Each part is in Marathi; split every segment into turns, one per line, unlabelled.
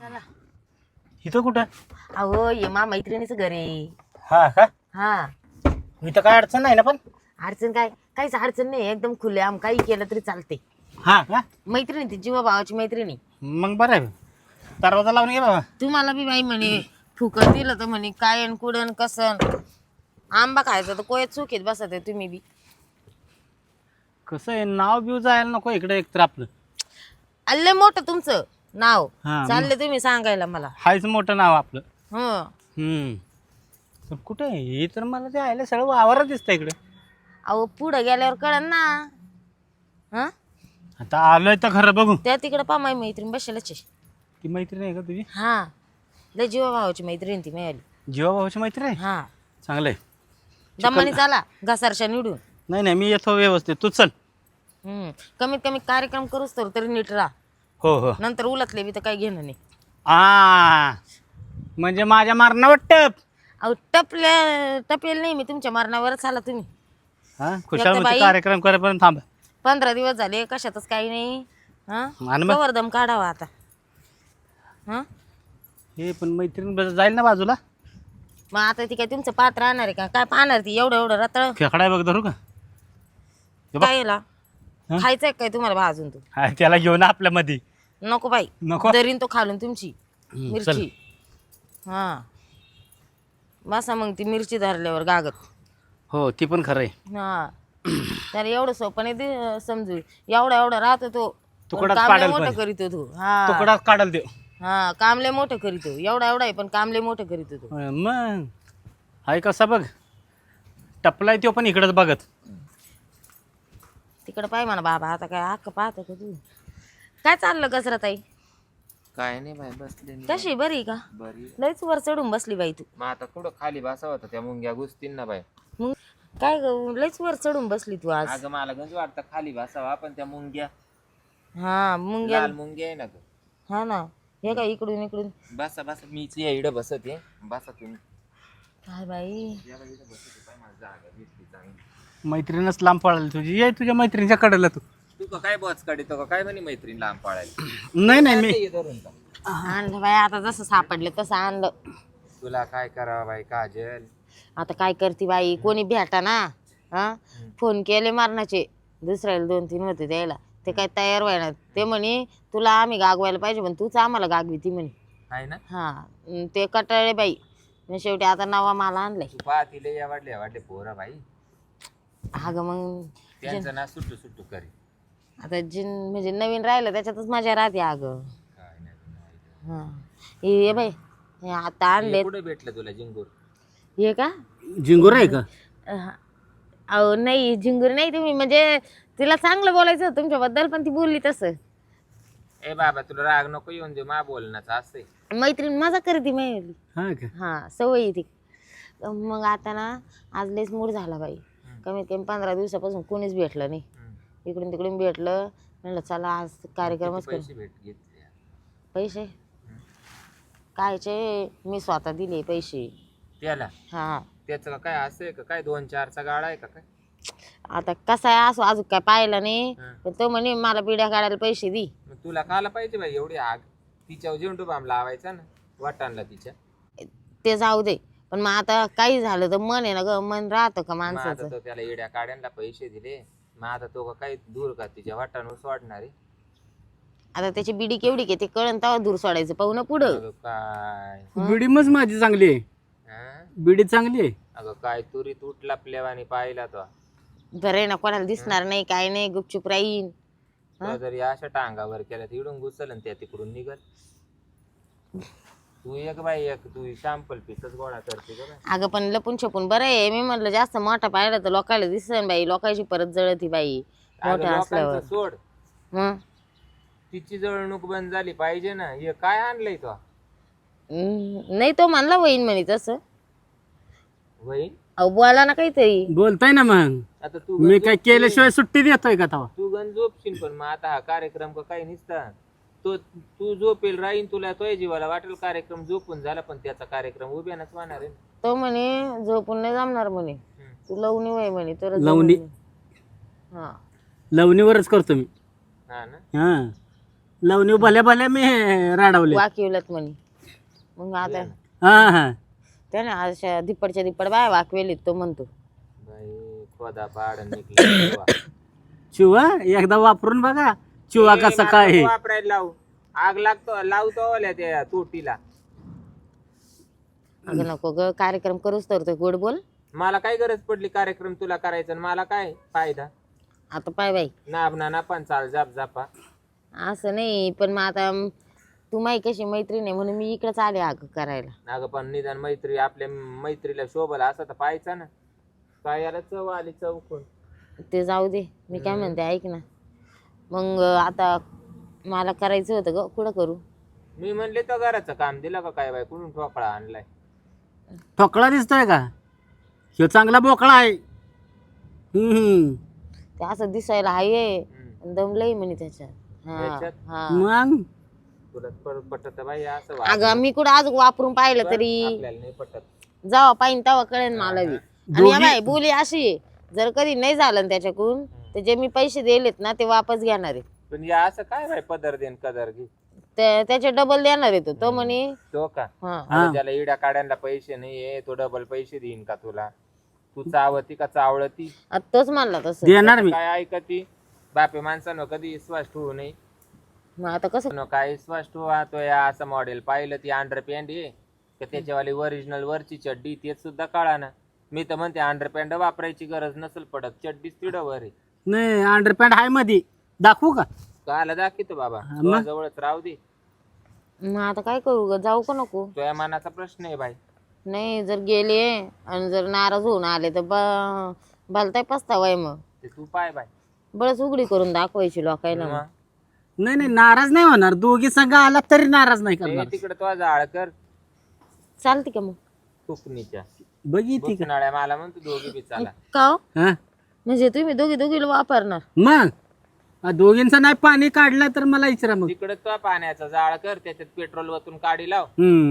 चला
इथं कुठं?
अहो ये मा मैत्रिणीचं घर आहे.
हा का?
हा
इथं काय अडचण नाही ना पण?
अडचण काय? काहीच अडचण नाही, एकदम खुलेआम काही केलं तरी चालते.
हा का?
मैत्रिणी ती जीवा भावाची मैत्रिणी.
मग बरं आहे. दरवाजा लावून घे बाबा.
तुम्हाला बी बाई म्हणे फुकट दिलं तर म्हणे काय अन कुडन कसं आंबा खायचा तर कोयत चुकीत बसत आहे तुम्ही बी.
कसं आहे, नाव बिव जायला नको इकडे एकतर आपलं.
अल्ले मोठं तुमचं नाव
हा,
चालले तुम्ही सांगायला मला.
हायच मोठं नाव आपलं.
हं
पण कुठं आहे हे? तर मला ते आयला सगळं वावरच दिसतं इकडे.
अहो पुढं गेल्यावर कळन ना. हा
आता आलोय तर खरं बघू.
त्या तिकडं पा माई मैत्रीण बसेलच आहे.
ती मैत्रीण आहे का तुझी?
हा लय जीवा भावाची मैत्रीण ती मिळाली.
जीवा भावाची मैत्रीण आहे?
हा
चांगलं आहे.
दमानी चाला घसारशा निवडून.
नाही नाही, मी येतो व्यवस्थित, तू चल.
कमीत कमी कार्यक्रम करूच तर तरी नीट राहा.
हो हो.
नंतर उलटले बी तर काही घेणं नाही.
म्हणजे माझ्या मारणावर टप.
अहो टपेल नाही मी तुमच्या मरणावरच आला तुम्ही.
हा, खुशाल
बाई.
कार्यक्रम करेपर्यंत थांब.
15 दिवस झाले कशातच काही नाही. हा
आणि मग?
कवरदम काढावा आता. हा
हे पण मैत्रीण जाईल ना बाजूला.
मग आता ती काय तुमचं पात्र राहणार आहे का? काय पाहणार ती एवढं एवढं रताळ
खेकडाय बघ धरू का? हे बघ.
काय याला खायचंय काय तुम्हाला भाजून तू?
हा, त्याला घेऊन आपल्या मध्ये.
नको बाई
नको?
दरीन तो खालून तुमची
चल.
मिरची. हा बसा मग ती मिरची धरल्यावर गागत.
हो, ती पण खरं आहे.
हा त्याला एवढं सोपं नाही ते समजू. एवढा एवढा राहतो तो
तुकडाच
कामले
पाडेल
मोठं
पण.
करीतो तो. हा
तुकडाच काढल देव.
हा कामले मोठं करीतो. एवढा एवढा आहे पण कामले मोठं करीतो तो.
मग हाय कसा बघ, टपलाय तो पण इकडंच बघत.
तिकडं पाय म्हणा बाबा. आता काय हक्क पाहतो का तू? काय चाललं गजरा ताई?
काय नाही बाई, बसले मी.
कशी बरी आहे का?
बरी.
लयच वर चढून बसली बाई तू.
मग आता कुठं खाली बसावं होतं त्या मुंग्या घुसतील ना बाई.
मग काय ग, लयच वर चढून बसली तू आज.
अगं मला गंज वाटतं खाली बसावा, पण त्या मुंग्या
हा मुंग्या.
लाल मुंग्या आहे ना ग.
हा ना हे काय इकडून इकडून.
बसा बसा, मीच या इकडं बसते. बसा तुम्ही.
काय बाई
या बाई इकडं बसते. पाय मला जागा भेटली चांगली.
मैत्रीणच लांब पळाली तुझी. ये तुझ्या मैत्रिणीच्या कडेला तू.
तू का काय बॉच काढतो का काय म्हणे मैत्रीण लांब पाळायला?
नाही नाही, मी
ये धरून जा.
आणलं बाई आता जसं सापडलं तसं आणलं.
तुला काय करावं बाई काजल?
आता काय करते बाई, कोणी भेटा ना. हा फोन केले मारण्याचे दुसऱ्याला 2-3 होते द्यायला. ते काय तयार व्हायना. ते म्हणे तुला आम्ही गागवायला पाहिजे पण तूच आम्हाला गागवी ती म्हणे.
आहे ना?
हा ते कटाळे बाई. मग शेवटी आता नवा माल आणलाय.
तू पाहतीले या वाढले पोरं बाई.
अगं मग
त्यांचं ना सुट्टू सुट्टू करी.
आता म्हणजे नवीन राहिलं त्याच्यातच मजा राहते अगं.
काय नाही.
हा हे बाई हे आता आणले.
कुठे भेटलं तुला जिंगूर?
हे का?
झिंगूर आहे का?
अहो नाही झिंगूर नाही. तुम्ही म्हणजे तिला चांगलं बोलायचं होतं तुमच्याबद्दल पण ती बोलली तसं.
ए बाबा तुला राग नको येऊन दे, मा बोलण्याचं असंय.
मैत्रीण मजा करते माहिती.
हा का?
हा सवय ती. मग आता ना आज लयच मूड झाला बाई. कमीत कमी 15 दिवसापासून कोणीच भेटलं नाही. इकडून तिकडून भेटलं. म्हणलं चला आज कार्यक्रमच करू.
पैसे भेट घेतले.
पैसे कायचे? मी स्वतः दिले पैसे.
त्याला
हा
त्याचं काय असं आहे का काय 2-4चा गाडा आहे का काय?
आता कसा आहे असो अजून काय पाहिलं नाही. पण तो म्हणे मला पिढ्या काढायला पैसे दे.
मग तुला खायला पाहिजे बाई एवढी आग. तिच्यावर झेंडू बाम लावायचा ना वाटाणला तिच्या.
ते जाऊ दे पण मग आता काही झालं तर मन आहे ना ग. मन राहतं का
मग आता
माणसाचं?
तो त्याला येड्या काड्यांना पैसे दिले. मग आता तो का काही दूर का तिच्या वाटाणून सोडणार आहे?
आता त्याची बिडी केवढी की ते कळण तेव्हा दूर सोडायचं पाहू ना पुढं.
अगं काय
बिडी मग माझी चांगली आहे.
हं?
बिडी चांगली आहे.
अगं काय तुरी तुटला प्लेवानी पाहिला तो.
बरं आहे ना कोणाला दिसणार नाही काय नाही गुपचूप राहीन.
तो जर या अशा टांगावर केल्या तर इडून घुसल आणि त्या तिकडून निघल. तू एक बाई एक तू शॅम्पल पीसच गोळा करते का बाई?
अगं पण लपून छपून बरं आहे. मी म्हटलं जास्त मोठा पाहिलं तर लोकांना दिसन बाई. लोकांची परत जळती बाई
अगं
मोठा असल्यावर.
लोकांचं सोड,
मग
तिची जळणूक बंद झाली पाहिजे ना. हे काय आणलंय तो?
नाही तो म्हणला वहीन म्हणे तसं.
वहीन
अहो बोला ना काहीतरी.
बोलताय ना मग.
आता तू
मी काय केल्याशिवाय सुट्टी देतोय का तवा?
तू गण झोपशील पण मग आता हा कार्यक्रम का काही नसता. तो तू झोपेल राहीन तुला तोय जीवाला वाटेल कार्यक्रम झोपून झाला पण त्याचा कार्यक्रम उभ्यानच होणार आहे ना.
तो म्हणे झोपून नाही जमणार म्हणे. तू लवणी वय म्हणे तर
लवणी?
हा
लवणीवरच करतो मी.
हा ना.
हा लवणी भल्या भल्या मी राडवले.
वाकिवलत म्हणे. मग आता
हा हा
त्याने अशा दिप्पडच्या दिप्पड बाय वाकवेलीत तो म्हणतो.
बाई खोदा पाड निघली
चिवा एकदा वापरून बघा चिवा कसा काय.
वापरायला लावू आग लावतो ओल्या त्या तोटीला.
अगं नको ग कार्यक्रम करूच तर ते गोड बोल.
मला काय गरज पडली कार्यक्रम तुला करायचं आणि मला काय फायदा.
आता पाय बाई
नाब ना पण चाल जाप जापा.
असं नाही पण मग आता तू माही कशी मैत्रीण आहे म्हणून मी इकडेच आले अगं करायला.
अगं पण निदान मैत्री आपल्या मैत्रीला शोभला असं तर पाहायचा ना. काय याला चव आली चौकून.
ते जाऊ दे मी काय म्हणते ऐक ना. मग आता मला करायचं होतं ग कुठं करू.
मी म्हणले तर घराचं काम दिलं का काय बाई कुठून ठोकळा आणलाय.
ठोकळा दिसतोय का ह्यो चांगला बोकळा आहे.
ते असं दिसायला हाय दमलंय म्हणे त्याच्यात.
त्याच्यात?
हा
मग
तुला पटत बाई असं
अगं मी कुठं आज वापरून पाहिलं तरी
आपल्याला नाही पटत.
जेव्हा पाहिन तेव्हा कळेल मला बी. आणि या बाई बोली अशी आहे, जर कधी नाही झालं ना त्याच्याकडून तर जे मी पैसे दिलेत ना ते वापस घेणार आहे.
पण या असं काय बाई पदर देन कदर घे
त्याचे डबल देणार आहे तो म्हणे.
तो का
हा
आता ज्याला इड्या काढायला पैसे नाहीये तो डबल पैसे देईन का तुला. तू चावती का चावळती
तोच म्हणला तसं.
देणार मी.
काय ऐकती बापे माणसानं कधी विश्वास ठेवू नये.
मग आता कसं
काय विश्वास ठेवा तो या असं मॉडेल पाहिलं ती अंडरपॅन्ट आहे का त्याच्यावाली ओरिजिनल वरची चड्डी तेच सुद्धा कळा ना. मी तर म्हणते अंडरपॅन्ट वापरायची गरज नसेल पडत चड्डीच तिडवर आहे.
नाही अंडरपॅन्ट आहे मध्ये दाखवू का.
काला दाखवतो बाबा जवळच राहू दे.
मग आता काय करू ग जाऊ का नको.
तुझ्या मनाचा प्रश्न आहे बाई.
नाही जर गेले आणि जर नाराज होऊन आले तर भलताय पस्तावाय मग
ते तू पाय बाय
बळच उघडी करून दाखवायची लोकायला. मग
नाही नाही नाराज नाही होणार. दोघी संघ आला तरी नाराज नाही करणार.
तिकडे तो जाळ कर
चालते का मग
फुकणीच्या
बघितली का.
नाळ्या मला म्हणतो दोघी बी चाला.
का हो?
हा
म्हणजे तुम्ही दोघीला वापरणार.
मग दोघींचं नाही पाणी काढलं तर मला विचारा मग.
तिकडे तो पाण्याचा जाळ कर त्याच्यात पेट्रोल वतून काढी लाव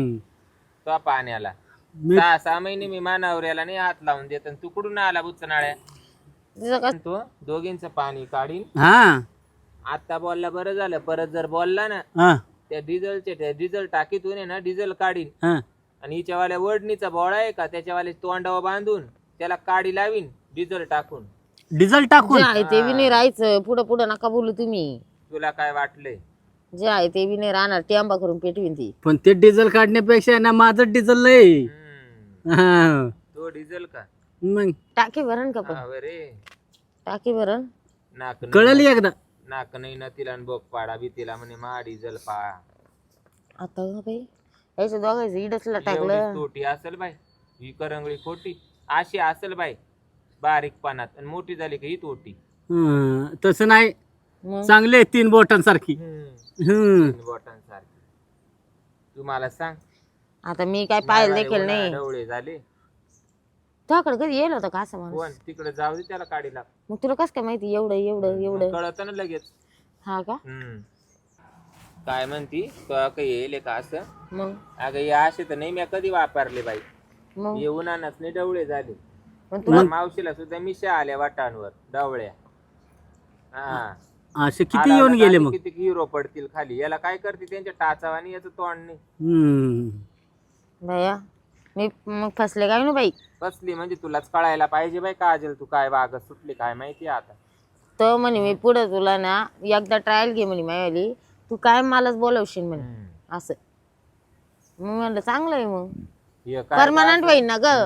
तो पाण्याला. 6 महिने मी मानावऱ्याला नाही हात लावून देत तू कुठून आला बुच्चनाळ्या. तो दोघींचं पाणी काढीन.
हा
आता बोलला बरं झालं परत जर बोलला ना
हा
त्या डिझेल टाकीतून आहे ना डिझेल काढीन
हा
आणि हिच्यावाल्या वडणीचा बोळा आहे का त्याच्यावाले तोंडावर बांधून त्याला काडी लावीन डिझेल टाकून.
डिझेल टाकून
जे आहे ते बी नाही राहायचं. पुढं नका बोलू तुम्ही.
तुला काय वाटलंय.
जे आहे ते बी नाही राहणार. टेंबा करून पेटवीन ती.
पण ते डिझेल काढण्यापेक्षा ना माझं डिझेल लय. हा.
तो डिझेल का
मग
टाकी भरण का पण
रे
टाकी भरण
नाक
कळलं एकदा.
नाक नाही ना तिला बोक पाडा बी तिला म्हणे मा डिझेल पा.
आता का बाई याच्या दोघांचं इडचला टाकलं.
एवढीच तोटी असेल बाई ही करंगळी खोटी अशी असेल बाई बारीक पानात आणि मोठी झाली का ही तोटी.
तसं नाही
मग
चांगले 3 बोटांसारखी.
बोटांसारखी. तू मला सांग
आता मी काय पाहिलं देखील नाही.
डवळे झाले
तुझ्याकडे कधी येईल होतं का असं माणूस.
कोण तिकडे जाऊ दे त्याला काढीला.
मग तुला कसं काय माहिती एवढं
कळत ना लगेच.
हा का.
काय म्हणती तो काही येईल का असं.
मग
अगं या असे तर नाही मी कधी वापरले बाई.
मग
येऊनच नाही डवळे झाले.
मग
तुला मावशीला सुद्धा मिशा आल्या वाटांवर डवळ्या. हा
असे किती येऊन गेले मग.
किती हिरो पडतील खाली. याला काय करते त्यांच्या टाचावानी याचं तोंड नाही.
भैया मी मग फसले काय ना बाई.
कसली म्हणजे तुलाच कळायला पाहिजे बाई काजल तू काय वागत सुटली काय माहिती आता.
तर म्हणे मी पुढे तुला ना एकदा ट्रायल घे म्हणे मायावाली. तू काय मलाच बोलवशील म्हणे असं. मग म्हणलं चांगलं आहे मग परमनंट होईल ना ग.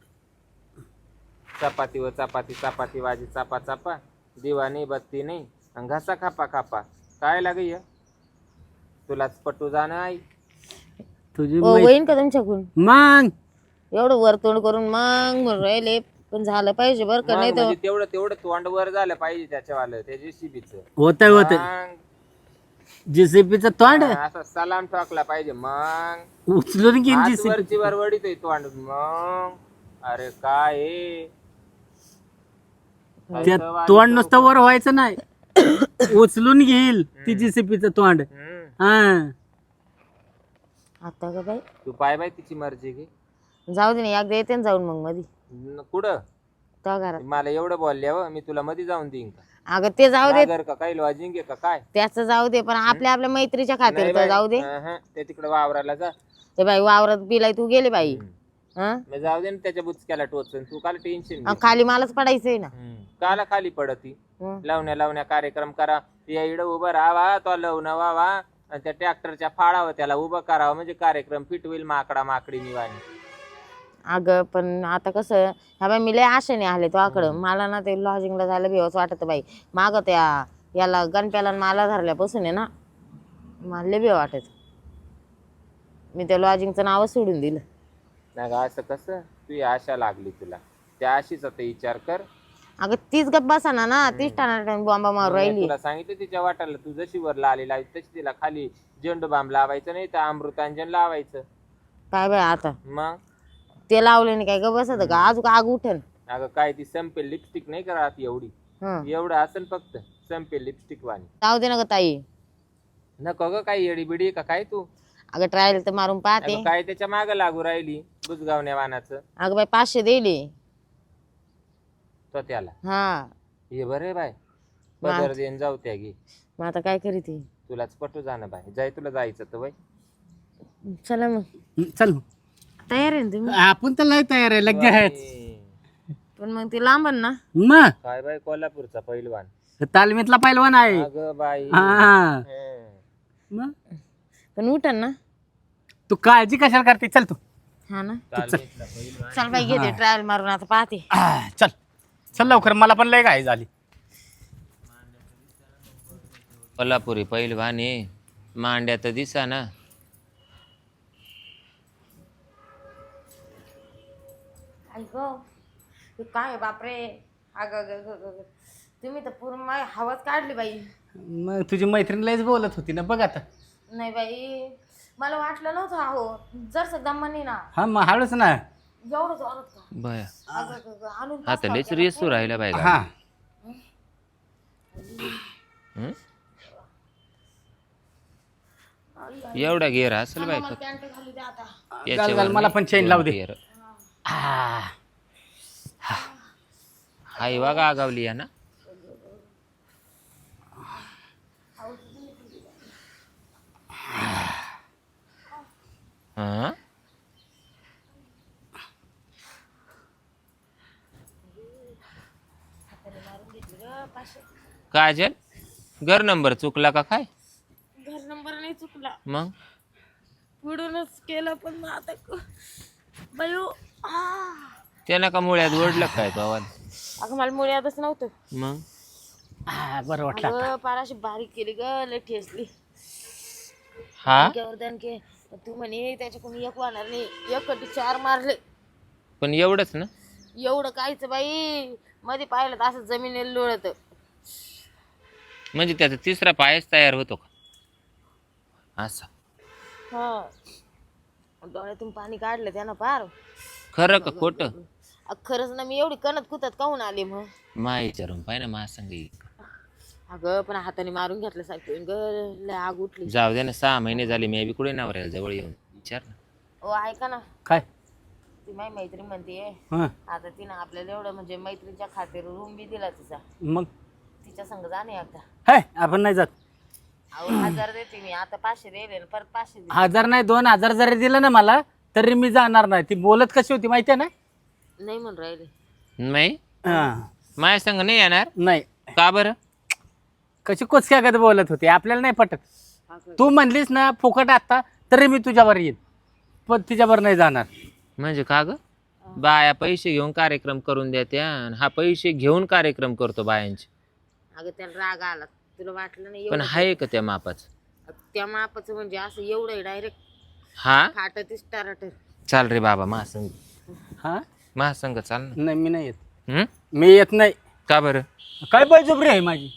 चपाती व चपाती चपाती वाजी चापा चापा दिवा नाही बत्ती नाही आणि घासा खापा खापा काय लागे तुलाच पटू जाणं आई.
तुझी
होईन का तुमच्याकडून.
मग
एवढं वरतोंड करून मग म्हणून राहिले पण झालं पाहिजे बरं का. नाही तर
तेवढं तोंड वर झालं पाहिजे त्याच्यावालं त्या जेसीबीच
होत जेसीबीचं तोंड
असं सलाम ठोकला पाहिजे. मग
उचलून घेईन जेसीबी.
वरची वर वडीतोय तोंड. मग अरे काय
त्या तोंड नुसतं वर व्हायचं नाही उचलून घेईल ती जेसीबीचं तोंड. हा
आता का बाई
तू पाय बाय तिची मर्जी घे.
जाऊ दे ना एकदा येते ना जाऊन मग मधी
कुठं
त्या घरात.
मला एवढं बोलल्यावर मी तुला मध्ये जाऊन देईन का.
अगं ते जाऊ दे,
नागर का काही लॉजिंग आहे का काय?
त्याचं जाऊ दे, पण आपल्या आपल्या मैत्रीच्या खातीर
नाही
तर
बाई,
जाऊ दे.
ते तिकडे वावराला जा.
ते बाई वावरात बिलाय तू गेले बाई. हं?
मग जाऊ दे ना त्याच्या बुचक्याला टोचन, तू काल टेन्शन
खाली मलाच पडायचंय ना.
काला खाली पडती.
हं.
लावण्या कार्यक्रम करा, या इकडं उभं राहावा, तो लवणं व्हावा आणि त्या ट्रॅक्टरच्या फाळावर त्याला उभं करावं, म्हणजे कार्यक्रम फिट होईल माकडा माकडी निवाणी.
अगं पण आता कसं, ह्या बाई मी लय आशेने आले तो आकडं, मला ना ते लॉजिंगला जायला भेवच वाटत बाई. माग त्या याला गणप्याला मला धरल्यापासून आहे ना, मला लय भेव वाटत. मी त्या लॉजिंगचं नावच सोडून दिलं.
नाही का असं कसं, तू आशा लागली तुला, त्या आशीचा तर विचार कर.
अगं तीच गप्प बसाना ना, तीच टाणा बॉम्बा मारू राहिली.
तुला सांगितलं तिच्या वाटाला, तू जशी वर लाली लावी तशी तिला खाली झेंडू बाम लावायचं, नाही तर अमृतांजन लावायचं.
काय बाई आता
मग
ते लावले नाही काय ग बसत का, अजून आग उठन.
अगं काय ती संपेल लिपस्टिक नाही करत एवढी,
हं.
एवढं असेल फक्त संपेल लिपस्टिक वाणी.
जाऊ दे ना ग ताई.
नको ग काही येडी बिडी का काय तू?
अगं ट्रायल तर मारून पाहते.
अगं काय त्याच्या माग लागू राहिली बुजगावण्या वानाचं.
अगं बाई 500 दिले
तो त्याला
हा.
हे बरे बाय, पदर देऊन जाऊ त्या गे.
मग आता काय करीत आहे?
तुलाच पटू जाणं बाय, जाय तुला जायचं तर बाई.
चला मग
चल
तयार आहे ना तुम्ही?
आपण तर लय तयार आहे लगेच.
पण मग ते लांबन ना.
मग
काय बाई कोल्हापूरचा पहिलवान.
तालमीतला पहिलवान आहे.
अगं बाई
हा मग
पण उठन ना.
तू काळजी कशाला करते, चल तू.
हा ना.
तालमीतला पहिलवान.
चल बाई घेते ट्रायल मारून आता पाहते.
चल चल लवकर, मला पण लय घाई झाली.
कोल्हापुरी पहिलवान आहे, मांड्या तर दिसा ना.
काय बापरे. अगं तुम्ही तर पूर्ण हवाच काढली बाई.
मग तुझी मैत्रीण लयच बोलत होती ना, बघ आता.
नाही बाई मला वाटलं नव्हतं. अहो जर दमानी ना.
हा मग हळूच ना.
एवढं जोरात का?
बया
आणून
आता लयच रेसू राहिला बाई.
हा
एवढा गेर असेल बाई.
मला पॅन्ट घालू दे आता.
घाल घाल, मला पण चेन लावू दे.
गेर हाय बघा आगावली या ना. हा काजल, घर नंबर चुकला का काय?
घर नंबर नाही चुकला,
मग
पुढूनच केलं. पण मग आता बायो
त्यानं का मुळ्यात ओढलं काय तो आवाज?
अगं मला मुळे आतच नव्हतं.
मग
बरं वाटलं.
अगं पाराशी बारीक केली ग, लय ठेसली.
हा
दणके तू म्हणे त्याच्याकडून एक वाहणार नाही, एक कटी 4 मारले.
पण एवढंच ना.
एवढं कायच बाई, मध्ये पाहिलं तर असं जमिनीला लोळत.
म्हणजे त्याचा तिसरा पायच तयार होतो का असा?
हा डोळ्यातून पाणी काढलं त्यानं पार.
खरं का खोट?
खरंच ना. मी एवढी कणत कुतत काहून आले मग?
मा विचारून पाय ना, मा संग
अगं पण हाताने मारून घेतलं सारखं ग, लय आग उठली.
जाऊ दे ना. 6 महिने झाले मी बी कुठे नवऱ्याला जवळ येऊन विचार ना.
ओ ऐका ना,
काय?
ती माझी मैत्रीण म्हणते
हा
आता तिनं आपल्याला एवढं म्हणजे मैत्रीच्या खातीर रूम बी दिला तिचा.
मग
तिच्या संग जाणे एकदा.
हाय आपण नाही जात.
अहो 1000 देते मी आता, 500 दिले परत 500 दिले.
1000 नाही 2000 जरी दिलं ना मला तरी मी जाणार नाही. ती बोलत कशी होती माहिती आहे ना?
नाही म्हणून राहिले.
नाही
हा
माझ्या संग नाही येणार
नाही.
का बरं?
कशी कोचक्यागत बोलत होती, आपल्याला नाही पटत. तू म्हणलीस ना फुकट आता तरी मी तुझ्यावर येईन, पण तिच्यावर नाही जाणार.
म्हणजे का ग? बाया पैसे घेऊन कार्यक्रम करून द्या, हा पैसे घेऊन कार्यक्रम करतो बायांचे.
अगं त्याला राग आला, तुला वाटलं नाही
पण
एवढं?
हाय का त्या मापाचं?
त्या मापाचं म्हणजे असं एवढं डायरेक्ट
हा
फाटत स्टार्टर.
चाल रे बाबा महासंग,
हा
महासंग चाल ना.
नाही मी नाही येत.
हम्म?
मी येत नाही.
का बरं?
काय बळजबरी आहे माझी?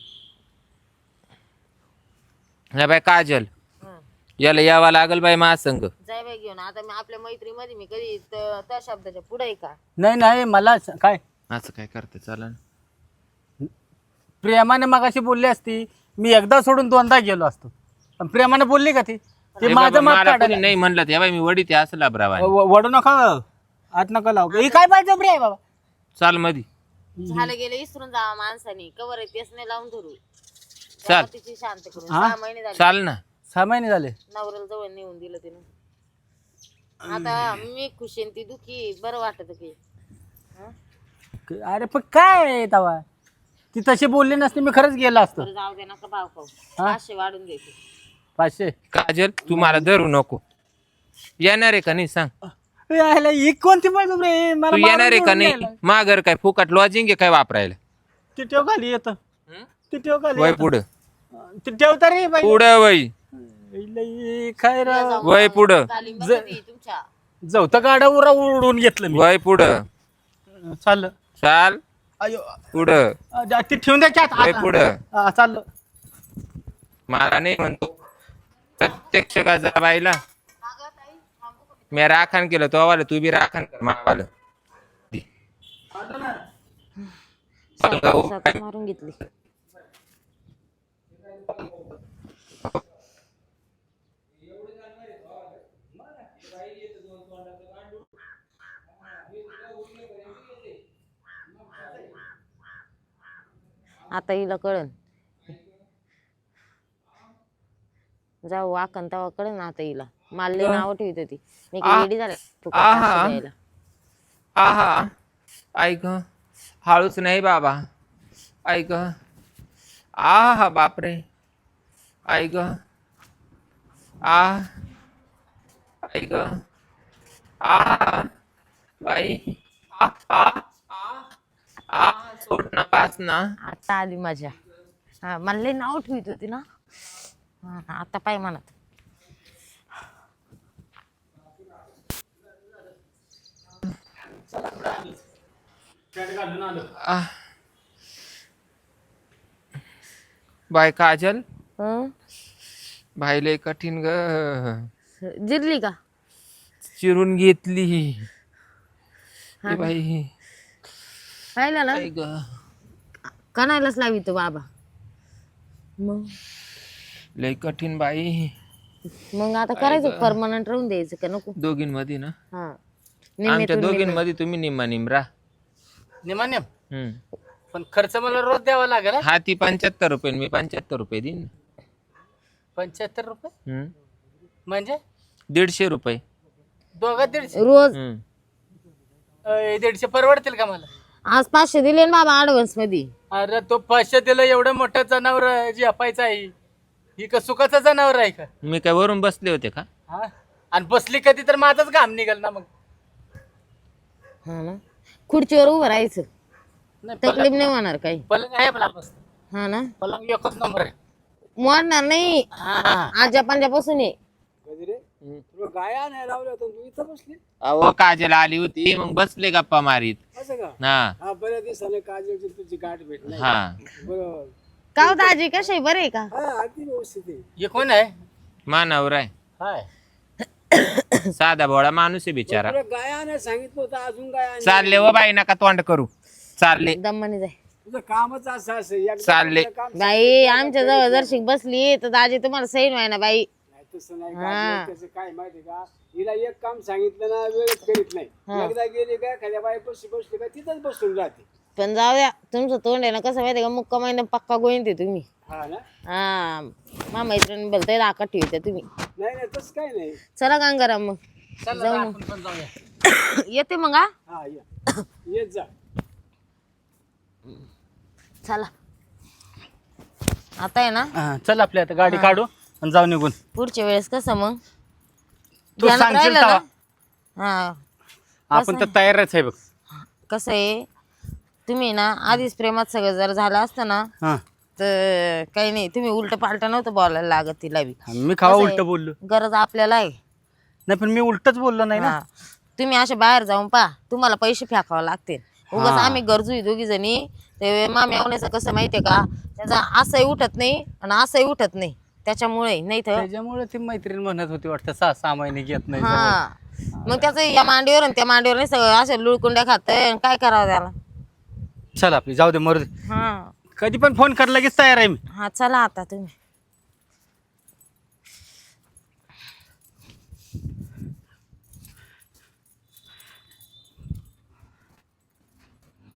नाही बाय काजल, याला यावं लागल बाई महासंग.
जाय बाई घेऊन. आता मी आपल्या मैत्रीमध्ये मी कधी त्या शब्दाच्या पुढे आहे का?
नाही नाही मला काय
असं काय करते चाल ना.
प्रेमाने मगाशी बोलली असती, मी एकदा सोडून 2दा गेलो असतो. पण प्रेमाने बोलली का ती? ते
ए
माझं
बाबा,
माप
मला कोणी
काढायला.
नाही म्हणलं ते बाई, मी वडी ते असं लाभरावा.
वडू नका, आत नका लावू. ही काय बळजबरी आहे बाबा?
चाल मधी.
झालं गेलं विसरून जावा माणसाने कवर आहे तेच नाही लावून धरू
चाल.
तेव्हा तिची शांत करून 6 महिने झाले
चाल ना
6 महिने झाले.
नवऱ्याला जवळ नेऊन दिलं तिनं. आता मी खुशी आणि ती दुखी बरं वाटत की हं?
अरे पण काय आहे तवा, ती तशी बोलली नसती मी खरंच गेलो असतो.
बरं जाऊ दे नका भाव खाऊ 500 वाढून द्यायचे.
500
काजल तू मला धरू नको. येणार आहे का नाही सांग.
यायला ही कोणती बायको रे, मला
तू येणार आहे
मारून
का
घेऊन
नाही.
गेला.
माघर काय फुकट लॉजिंग आहे काय वापरायला.
ती ठेव खाली येतं, ती ठेव खाली
वय
येतं.
पुढं
ती ठेवता रे बाई.
पुढं वय
लई काय राव,
वय पुढं
तालीम बरं ती तुमच्या
जवतं गाडा उरा उडून घेतलं मी.
वय पुढं
चाललं.
चाल
अयो
पुढं
ती ठेवून द्यायच्या
वय पुढं.
चाललं.
मला नाही म्हणतो प्रत्यक्ष गाजाबाईला मी राखण केलं तो आवाला तू बी राखण कर मावाला.
मारून घेतली. आता हिला कळन जाऊ वाकन तेव्हा कळन आता हिला. मला लई नाव ठेवत होती मी काही रेडी झाले
आहा. आहा ऐक हळूच नाही बाबा. ऐक आहा बापरे. ऐक आ ऐक आ बाई आ आ आ सोड ना पास ना.
आता आली मजा. हा मला लई नाव ठेवत होती ना. हा आता पाय म्हणत
आ. बाय काजल
हं?
भाई लय कठीण ग.
जिरली का
चिरून घेतली
हा
ए बाई.
पाहिलं ना
आई ग
कणायलाच लावी तो बाबा. मग
लय कठीण बाई.
मग आता करायचं परमनंट राहून द्यायचं का नको.
दोघींमध्ये ना
हा
आमच्या
निम्म्यातून
दोघींमध्ये तुम्ही निम्मा निमरा.
निमान्यम पण खर्च मला रोज द्यावा लागेल हा?
हा ती 75 रुपये मी 75 रुपये देईन.
75 रुपये म्हणजे
150 रुपये.
दोघं 150.
रोज
150 परवडतील का मला?
आज 500 दिले ना बाबा ऍडव्हान्स मध्ये.
अरे तो 500 दिलं एवढं मोठं जनावर जी अपायचं आहे ही का सुखाचं जनावर आहे का?
मी काय वरून बसले होते का.
हा आणि बसली कधी तर माझंच घाम निघाल ना मग.
हा ना खुर्चीवर उभं राहायचं
नाही
तकलीफ नाही होणार काही.
पलंग आहे आपला मस्त.
हा ना
पलंग एकच नंबर आहे.
मोडणार नाही. आजा पंजापासून आहे.
अहो काजल आली होती मग बसले गप्पा मारीत. हा
बऱ्याच दिवसाने काजलची तुझी गाठ भेटली.
हा
बरोबर.
का हो दाजी कसे आहे बरे आहे का.
हा अगदी व्यवस्थित आहे.
हे कोण आहे?
मानावर आहे.
हाय
साधा भोळा माणूस आहे बिचारा.
तुला गायाने सांगितलं होतं अजून गाय
चालले व बाई नका तोंड करू. चालले
दम्माने जाय
तुझं कामच असं असं एकदा
चालले.
तुझं काम
बाई आमच्या जवळ जर शिक बसली तर दाजी तुम्हाला सैन व्हाय ना बाई.
नाही तसं नाही काजल, त्याचं काय माहिती का हिला एक काम सांगितलं ना वेळच करीत नाही. एकदा गेली का खाल्या बाई बसली का तिथंच बसून राहते.
पण जाऊ द्या तुमचं तोंड आहे ना कसं माहिती का मुक्का महिना पक्का गोईन ते तुम्ही.
हा ना
हा मा मैत्रिणी बोलताय राखा ठेवते तुम्ही.
नाही नाही तसं काय नाही.
चला गंगाराम मग
चला
जाऊ
आपण पण जाऊया.
येते मग हा
हा या येत जा.
चला आता आहे ना
चल आपल्या आता गाडी काढू आणि जाऊ निघून.
पुढच्या वेळेस कसं मग
तू
ध्यानात
सांगशील
राहिलं ना?
तेव्हा.
हा
आपण तर तयारच आहे बघ.
कसं आहे तुम्ही ना आधीच प्रेमात सगळं जर झालं असतं ना
हा
तर काही नाही तुम्ही उलट पालट नव्हतं बोलायला लागत तिला बी.
मी खावा
कसं
उलट
आहे,
बोललो
गरज आपल्याला आहे.
नाही पण मी उलटच बोललो नाही ना.
हा. तुम्ही असे बाहेर जाऊन पा तुम्हाला पैसे फेकावे लागतील. उगाच आम्ही गरजू आहे दोघी जणी. ते माम्या होण्याचं कसं माहितीये का त्याचा असंही उठत नाही आणि असंही उठत नाही त्याच्यामुळे नाही तर
त्याच्यामुळे ती मैत्रीण म्हणत होती वाटतं 6 महिने घेत नाही जवळ.
हा मग त्याचं या मांडीवर आणि त्या मांडीवर नाही सगळं असं लुळकुंड्या खातंय काय करावं त्याला.
चल आपली जाऊ दे मरू दे.
हा
कधी पण फोन कर लगेच तयार आहे मी.
हा चला आता तुम्ही